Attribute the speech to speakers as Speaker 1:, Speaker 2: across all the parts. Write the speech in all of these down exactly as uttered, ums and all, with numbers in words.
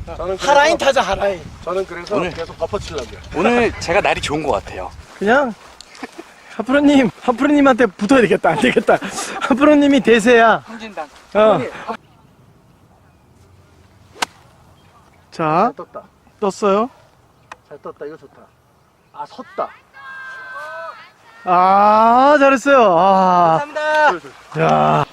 Speaker 1: 저는 그래서,
Speaker 2: 하라인 타자 하라인.
Speaker 1: 저는 그래서
Speaker 3: 오늘-
Speaker 1: 계속 버퍼 치려고요.
Speaker 3: 오늘 제가 날이 좋은 것 같아요.
Speaker 2: 그냥 하프로님 하프로님한테 붙어야 되겠다. 안 되겠다. 하프로님이 대세야.
Speaker 3: 홍진당.
Speaker 2: 어. 자
Speaker 1: 잘 떴다.
Speaker 2: 떴어요.
Speaker 1: 잘 떴다. 이거 좋다. 아 섰다.
Speaker 2: 아 잘했어요. 아.
Speaker 3: 감사합니다.
Speaker 2: 야.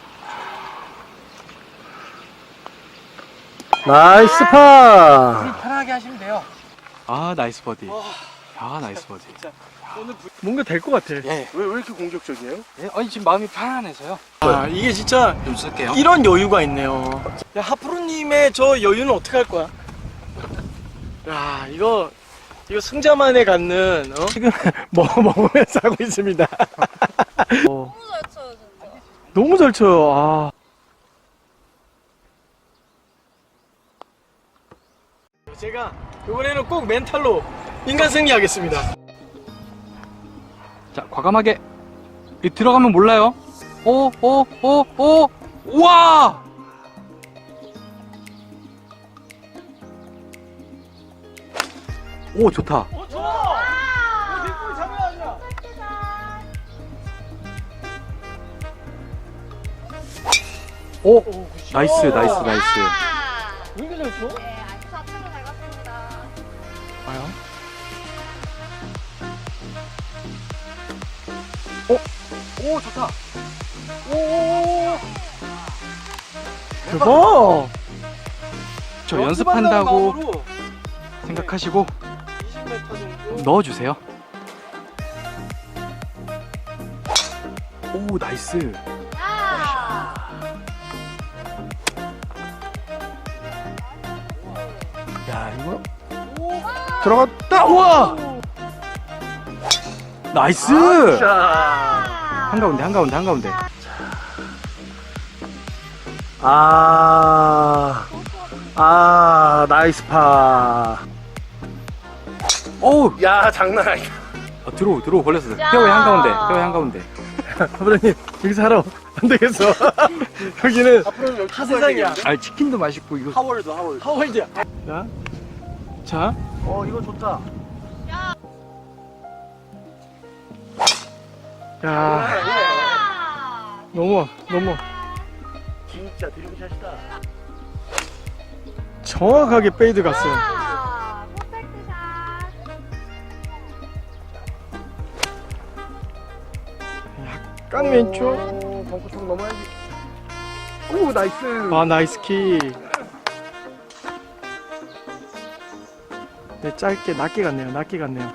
Speaker 2: 나이스 파.
Speaker 3: 편하게 하시면 돼요. 아 나이스 버디. 아 나이스 버디.
Speaker 2: 뭔가 될 것 같아.
Speaker 3: 예.
Speaker 1: 왜, 왜 이렇게 공격적이에요?
Speaker 3: 예. 아니 지금 마음이 편안해서요.
Speaker 2: 아 이게 진짜
Speaker 3: 좀 쓸게요.
Speaker 2: 이런 여유가 있네요. 야 하프로님의 저 여유는 어떻게 할 거야? 야 이거 이거 승자만에 갖는 어? 지금 뭐 먹으면서 하고 있습니다. 어,
Speaker 4: 너무 잘 쳐요 진짜.
Speaker 2: 너무 잘 쳐요. 아. 제가 이번에는 꼭 멘탈로 인간 승리하겠습니다.
Speaker 3: 자 과감하게 이 들어가면 몰라요. 오 오 오 오 우와. 오 좋다.
Speaker 2: 어 좋아. 오 뒷골 장난 아니야.
Speaker 3: 오
Speaker 2: 오, 굿샷.
Speaker 3: 나이스 나이스 나이스.
Speaker 2: 왜 이렇게 잘 쳐?
Speaker 4: 네, 아주 좌측으로 잘 갔습니다.
Speaker 2: 과연?
Speaker 3: 오 좋다. 오.
Speaker 2: 대박.
Speaker 3: 저 연습한다고
Speaker 2: 마음으로
Speaker 3: 생각하시고
Speaker 2: 이십 미터 정도.
Speaker 3: 넣어주세요. 오 나이스.
Speaker 4: 야!
Speaker 2: 야 이거 들어갔다. 우와.
Speaker 3: 나이스.
Speaker 2: 자.
Speaker 3: 한가운데 한가운데 한가운데.
Speaker 2: 아. 아 나이스 파.
Speaker 3: 오우.
Speaker 1: 야 장난 아니다.
Speaker 3: 아, 들어오 들어오 걸렸어.
Speaker 4: 야.
Speaker 3: 페어웨이 한가운데 페어웨이 한가운데.
Speaker 2: 하프로님 여기서 하러 안 되겠어. 여기는
Speaker 1: 앞으로 여기
Speaker 2: 하 세상이야.
Speaker 3: 아 치킨도 맛있고 이거.
Speaker 1: 하월드 하월드.
Speaker 2: 하월드야. 자, 자,
Speaker 1: 어 이거 좋다.
Speaker 2: 야,
Speaker 4: 야!
Speaker 2: 너무 너무
Speaker 1: 진짜 드림샷이다.
Speaker 2: 정확하게 페이드 갔어요.
Speaker 4: 야! 퍼펙트 샷.
Speaker 2: 깡 왼쪽.
Speaker 1: 오, 벙커통 넘어야지. 오 나이스.
Speaker 2: 아 나이스 키. 네 짧게 낮게 갔네요. 낮게 갔네요.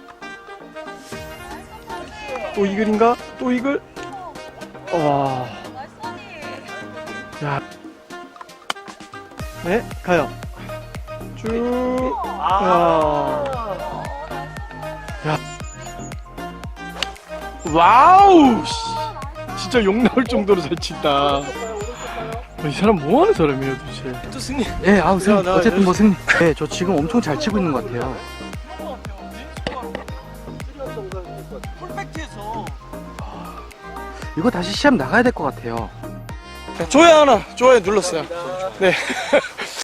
Speaker 2: 또 이글인가? 또 이글? 와,
Speaker 4: 나이스 버디.
Speaker 2: 야, 네 가요. 쭉.
Speaker 1: 아.
Speaker 2: 야. 와우! 씨. 진짜 욕 나올 정도로 잘 친다. 어, 이 사람 뭐 하는 사람이에요, 도대체? 또 승리.
Speaker 3: 예, 아우 승리.
Speaker 2: 야, 나
Speaker 3: 어쨌든 뭐
Speaker 2: 연습-
Speaker 3: 승리. 네, 저 지금 엄청 잘 치고 있는 것 같아요.
Speaker 2: 펄펙트에서.
Speaker 3: 이거 다시 시합 나가야 될 것 같아요.
Speaker 2: 좋아요 하나, 좋아요 눌렀어요. 네.